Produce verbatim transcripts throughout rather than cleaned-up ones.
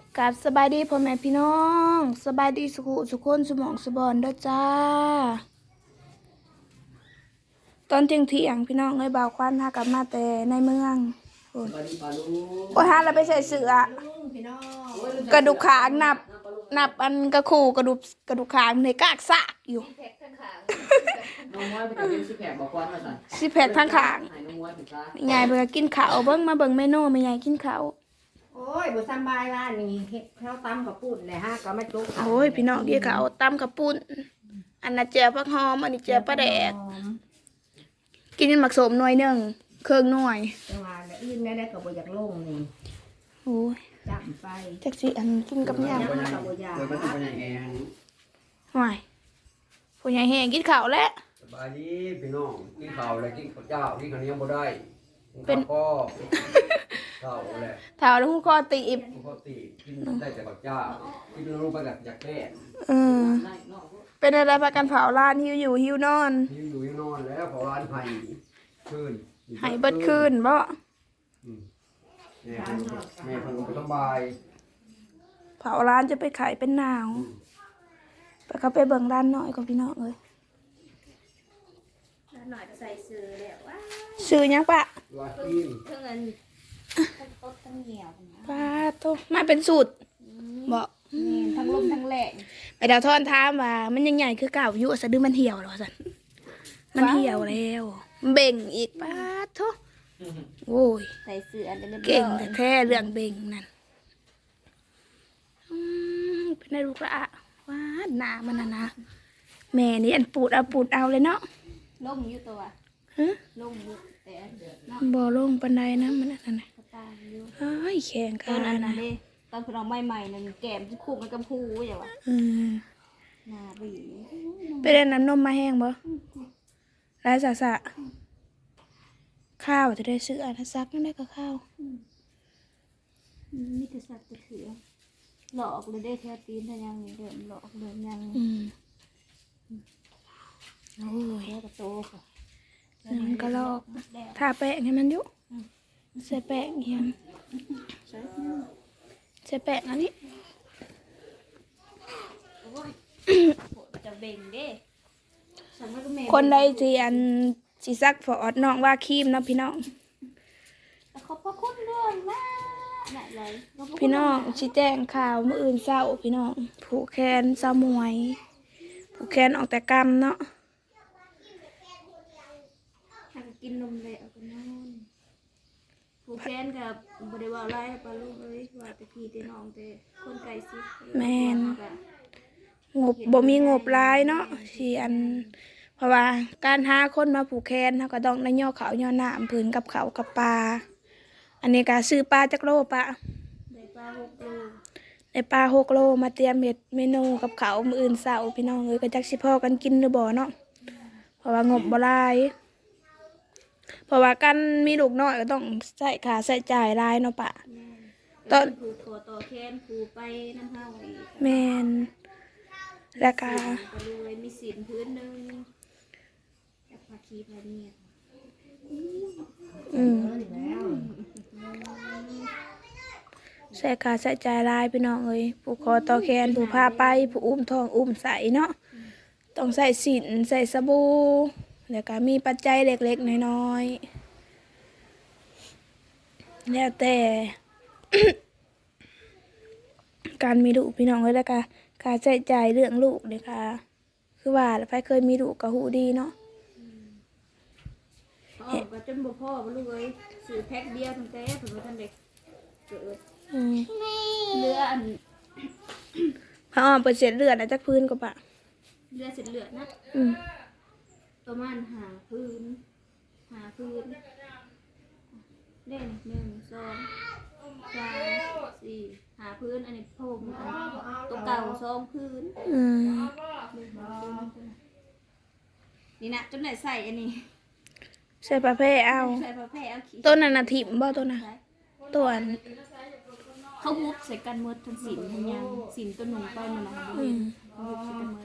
กับสบายดีพ่อแม่พี่น้องสบายดีสุขุสุขคนสมองสบอนเด้อจ้าตอนเที่ยงเที่ยงพี่น้องเอ้ยบ่าวควันหากลับมาแต่ในเมืองโอ้ยโอ้ยฮะเราไปใส่เสื้อกระดูกขางนับนับอันกระคู่กระดูกกระดูกขางในกากซากอยู่น้องมวยไปกับเป็นสิแผลบอกว่ามาสั่นสิแผดทั้งขางให้น้องมวยไปซะยายเบิ่งกินข้าวเบิ่งมาเบิ่งเมนูแม่ยายกินข้าวโอ้ยบุษบายร้านนี้เฮ็ดข้าวตำกับปุ่นเลยฮะก็ไม่จุกโอ้ยพี่น้องเดี๋ยวก็เอาตำกับปุ้นอันนั้นเจียวผักหอมอันนี้เจียวปลาแดกกินหมักสมหน่วยหนึ่งเครื่องหน่วยจังหวะเนี่ยอื่นได้ได้กับบุอยากลงนี่โอ้ยจับไปจักสิอันกินกับยำเปิดมันเป็นยังไงห่วยผู้ใหญ่แห้งกินข้าวแล้วสบายดีพี่น้องกินข้าวเลยกินข้าวเจ้ากินข้าวเหนียวบ่ได้กินข้าวก็ข้าวแหละถาวแล้วหูคอตีบปกติกินได้แต่ข้าวเจ้ากินลงไปกับอยากแก้เออเป็นอะไรพากันเผาร้านหิวอยู่หิวนอนยืนอยู่ยังนอนแล้วพอร้านไห้คืนใหายเบิดคืนบ่แม่พันแม่พันก็สบายเผาร้านจะไปขายเป็นหนาวไปเขาไปเบิ่งร้านหน่อยกับพี่น้องเลยหน่อยใส่ซื้อแล้วว่าซื้อยังปะว่ากินเท่าเงินทั้งต้นทั้งเหนียวป้าโตมาเป็นสูตรบอกทั้งลมทั้งแหลกไปดาวทอนถามว่ามันยังใหญ่คือเก่าอยู่สะดือมันเหี่ยวแล้วสันมันเหี่ยวแล้วเบ่งอีกป้าโตโอ้ยใส่ซื้ออันเดิมเก่งแต่แท้เรื่องเบ่งนั่นอืมเป็นไงลูกละว้าหนามันนะนะแม่นี่อันปูดเอาปูดเอาเลยเนาะล่มอยู่ตัวฮะล่มอยู่แต่เนาะบ่ลงปันไดนะมันนั่นน่ะตาอยู่เอ้ยแข็งตขาอนนั้นนะเด้ตอนเราใหม่ๆนั่นแก้มคู่มันกับผู้อย่างวะอืมหน้าบีไปเล่นน้ำนมมาแห้งบ่ไรสะสะข้าวจะได้ซื้ออันนั้นซักนั่นได้ก็ข้าวนี่จะสัตว์จะถือหลอกเลยได้แท้ตีนแต่ยังเดิมหลอกเดิมยังอืมโอ้ยแค่กระโตค่ะมันก็ลอกทาแป้งให้มันอยู่ใส่แป้งเฮียมใส่แป้งอันนี้จะเบ่งเด้ฉันว่าก็แม่คนใดที่อันสิซักฟอดน้องว่าครีมเนาะพี่น้องขอบพระคุณเรื่องมากไหนเลยพี่น้องชี้แจงข่าวเมื่ออื่นเศร้าพี่น้องผูกแขนเศร้ามวยผูกแขนออกแต่กรรมเนาะทางกินนมเลยเอาไปนอนผูกแขนกับบริวารไล่ปลาลูกเลยว่าตะกี้ตีน้องแต่คนไก่ซิแม่นงบบ่มีงบหลายเนาะที่อัน เพราะว่าการหาคนมาผูกแขนเขาก็ต้องได้ย่อเขาวย่อหน้าผืนกับเขาวกับปลาอันนี้ก็ซื้อปลาจักโลปะได้ปลาหกโลได้ปลาหกโลมาเตรียมเห็ดเมนูกับเขาวมื้ออื่นเสาร์พี่น้องเอ้ยก็จักสิพอกันกินหรือบ่เนาะเพราะว่างบบ่หลายเพราะว่าการมีลูกน้อยก็ต้องใส่ค่าใช้จ่ายหลายเนาะปะตอนผูกคอต่อแขนผูกไปน้ำเฮาอีกแม่นแล้วก็ก็เลยมีสินพื้นหนึ่งจากภาคีพาเนียอืมใส่ค่าใช้จ่ายหลายพี่น้องเอ้ยผู้คอต่อแขนผู้พาไปผู้อุ้มท้องอุ้มใส่เนาะต้องใส่สินใส่สบู่แล้วก็มีปัจจัยเล็กๆน้อยๆแล้วแต่ การมีลูกพี่น้องเอ้ยแล้วก็ค่าใช้จ่ายเรื่องลูกเลยค่ะคือว่าแล้วไปเคยมีลูกก็หูดีเนาะพ่อก็จนบ่พ่อบ่ลูกเอ้ยซื้อแพ็คเดียวตั้งแต่ถึงว่าท่านเด็กเกิดอืมเรืออันพระอ้อมเปิดเศษเลือดนะจักพื้นก็ปะเรือเสร็จเลือดนะอืมประมาณหาพื้นหาพื้นเล่นหนึ่งสองสามสี่หาพื้นอันนี้พมอันตัวเก่าสองพื้นอืมนี่นะจนไหนใส่อันนี้ใส่ประเภทเอาใส่ผ้าแพร่เอาขี้ต้นนันน่ะถิ่มบ่ต้นน่ะต้นเขาฮุบใส่กันหมดทั้งสินทั้งยังสินตัวหนุ่มต้นมันนะเขาฮุบใส่กันหมด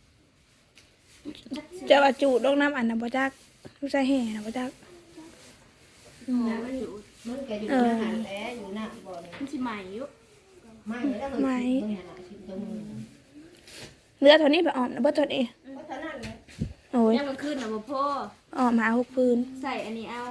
จะว่าจูดลงน้ำอันน่ะบ่จักลูกใส่แห่น่ะบ่จักมันอยู่มันก็อยู่ในหันแหล้วอยู่หน้าบ่อนี่มันสิใหม่อยู่หไม่แล้วไหมตรงนี้เรือเท่านี้ไปออมนะบ่เท่านี้เพราะฉะนั้นเลยโอ้ยยังมันขึ้นนะบ่พ่อออมหาหกพื้นใส่อันนี้เอา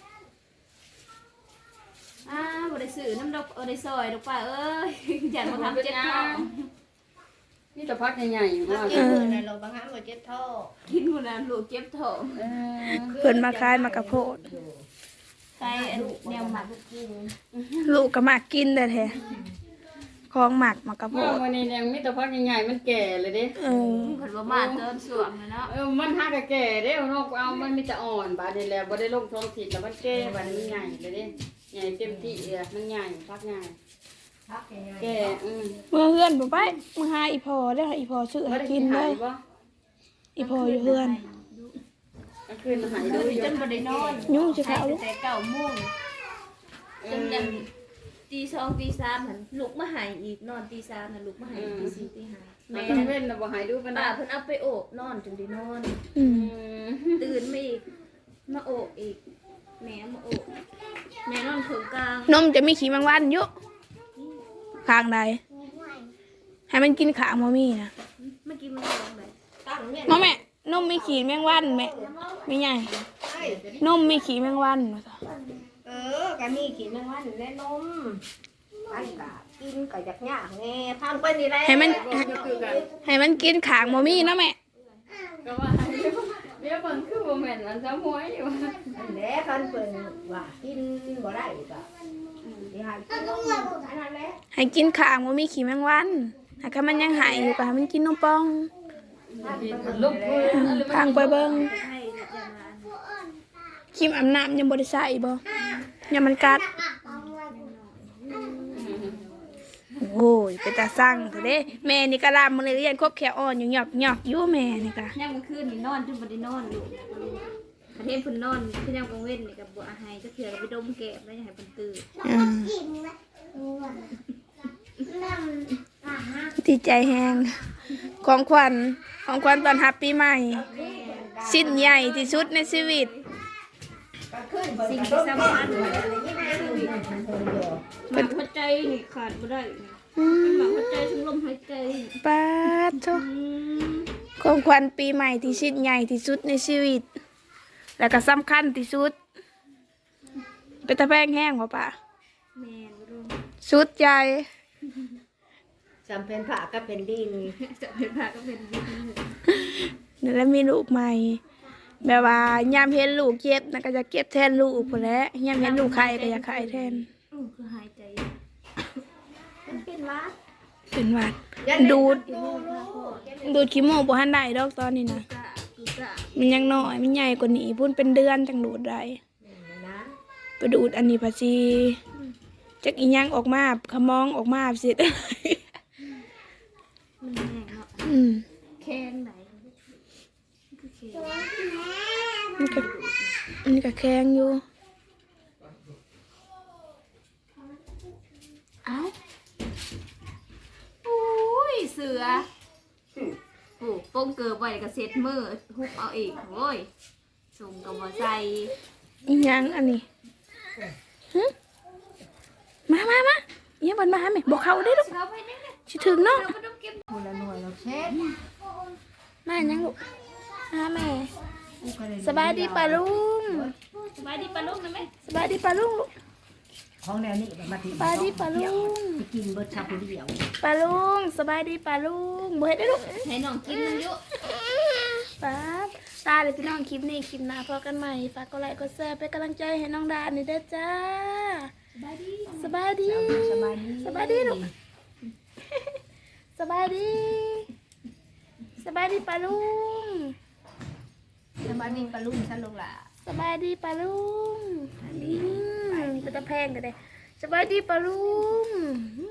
อ้าบ่ได้ซื้อน้ำดอกเอาได้ซอยดอกป่าเอ้ยอย่ามาทำเจ็บท้องนี่แต่พักใหญ่ๆอยู่ถ้าว่ากินมือในเราบางครั้งเราเจ็บท้อกินหมดแล้วลูกเจ็บท้องเออเพิ่นมาคายมากระโพดใส่อันแนวหมักกินลูกก็มากกินแต่แท้ของหมักมากระโพว่าดวันนี้ยังมีแต่พักใหญ่ๆมันแก่เลยเด้เออเพิ่นบ่มาเติมสวงนะเนาะเออมันหักกะแก่เด้เอานอกเอามันมีแต่อ่อนบาดนี้แหละบ่ได้ลงท้องถิ่นแล้วมันแก่บาดนี้มันใหญ่เลยเด้ใหญ่เต็มที่เลยมันใหญ่พักใหญ่พักยังไงแก่อืมเมื่อเฮือนบ่ไปมาหาอีพอได้ออีพอซื้อบ่ให้ได้กิกินนเลหายยบ่อีพออยู่เฮือนกลางคืนมันหายคืดูออยู่จนบ่ได้นอนยุ่งสิคะเอาลูกแต่เก้าโมงจนยันตีสองตีสามหันลุกมาหายอีกนอนตีสามน่ะลุกมาหายตีสี่ตีห้าแม่แม่ต้องนั่นเว้นน่ะบ่หายดูปานใดป้าเพิ่นเอาไปโอบนอนจนได้นอนอือืมมตื่นมาอีกมาโอบอีกแม่มาโอบแม่นอนถึงกลางนมจะมีขี้แมงวันอยู่ข้างใดให้มันกินขางบ่มีนะเมื่อกี้มันร้องเลยตั้งเนี่ยน้องแม่นมมีขี้แมงวันแม่ไม่ใหญ่ใช่นมมีขี้แมงวันว่าซะเออก็มีกินแมงวันและนมมันก็กินก็อยากยากแน่พังไปนี่แหละให้มันคือกันให้มันกินขางบ่มีนะแม่ก็ว่าเดี๋ยวเบิ่งคือบ่แม่นมันซะหวยอยู่อันแหละคันเปิ่นว่ากินบ่ได้ก็เดี๋ยวให้กินนมอันนั้นแหละให้กินขางบ่มีขี้แมงวันถ้ามันยังหายอยู่ก็ให้มันกินนมปองลุกมืออืมพังไปเบิ่งให้จะมาครีมอาบน้ำยังบ่ได้ใส่บ่ยังมันกัด โอ้ยเป็นตาสั่งเถอะเด้แม่นี่ก็ลามมื้อนี้เรียนครบแขวอ่อนอยู่หยอกหยอกอยู่แม่นี่ก็ย่างมันคืนนี่นอนจนบ่ได้นอนลูกประเทศเพิ่นนอนคือยามกลางเว้นนี่ก็บ่อาหายจะเถื่อก็ไปดมแก้มแล้วอย่าให้เพิ่นตื่นอ่าดีใจแฮงของขวัญของขวัญตอนรับปีใหม่ชิ้นใหญ่ที่สุดในชีวิตก็ขึ้นเบิ่งสิ่งก็ที่ต้สำองคัญดูอะไรนี่แม่ดูอยู่มันเพิ่นอยู่หมักหัวใจนี่ขาดบ่ได้เป็นหมักหัวใจทั้งลมหายใจปาดโทอืมของขวัญปีใหม่ที่ชิ้นใหญ่ที่สุดในชีวิต แล้วก็สำคัญที่สุด เป็นตะแพงแห้งบ่ป่ะแม่นบ่รู้สุดใจจำเป็นผ้าก็เป็นดินจะเป็นพระก็เป็นดินแล้วมีลูกใหม่ แบบว่ายามเห็นลูกเจ็บนะก็จะเก็บแทนลูกพุ่นแหล้วยามเห็นลูกไข้ก็อยากไข้แทนอู้คือหายใจมันเป็นวัดเป็นหวัด ดูดอีโมพาพ่อดูดขี้โมกบ่ทันได้ดอกตอนนี้นะกะคือกะมันยังน้อยมันใหญ่กว่านี้พุ่นเป็นเดือนจังดูดได้นะไปดูดอันนี้ภาษีจักอีหยังออกมาขมองออกมาสิมันแห้งเนาะอืมแข้งไหนคือแข้งมันก็มันก็แข็งอยู่เอ้าอุ้ยเสือโอ้ป้งเกิดไว้ก็เซ็ตมือฮุบเอาอีกโอ้ยส่งกับบ่ใส่อีหยังอันนี้หึมามามาอีหยังบันมาหาแม่บอกเขาได้อลูกเอาไปนี่สิถึงเนาะเราก็ต้องเก็บคนละหน่วยเราเช็ดมาหยังลูกหาแม่ สบายดีป่ะลุงสบายดีปะลูกนะแม่สบายดีป่ะลุงลูกของแนวนี้มาถึงสบายดีป่ะลุงไปกินเบิร์ดชาบูเดียวป่ะลุงสบายดีป่ะลุงบ่เฮ็ดได้อลูกให้น้องกินมันอยู่ป๊าบตาเลยพี่น้องคลิปนี้คลิปหน้าพอกันใหม่ฝากกดไลค์กดแชร์เป็นกำลังใจให้น้องดาหน่อยเด้อจ้าสบายดีสบายดีสบายดีสบายดีลูก สบายดี สบายดีป่ะลุงสบายดีปลาลุ่มฉันลงละสบายดีป่ะลุงอืมเป็นตะแพงกันเลยสบายดีป่ะลุงอื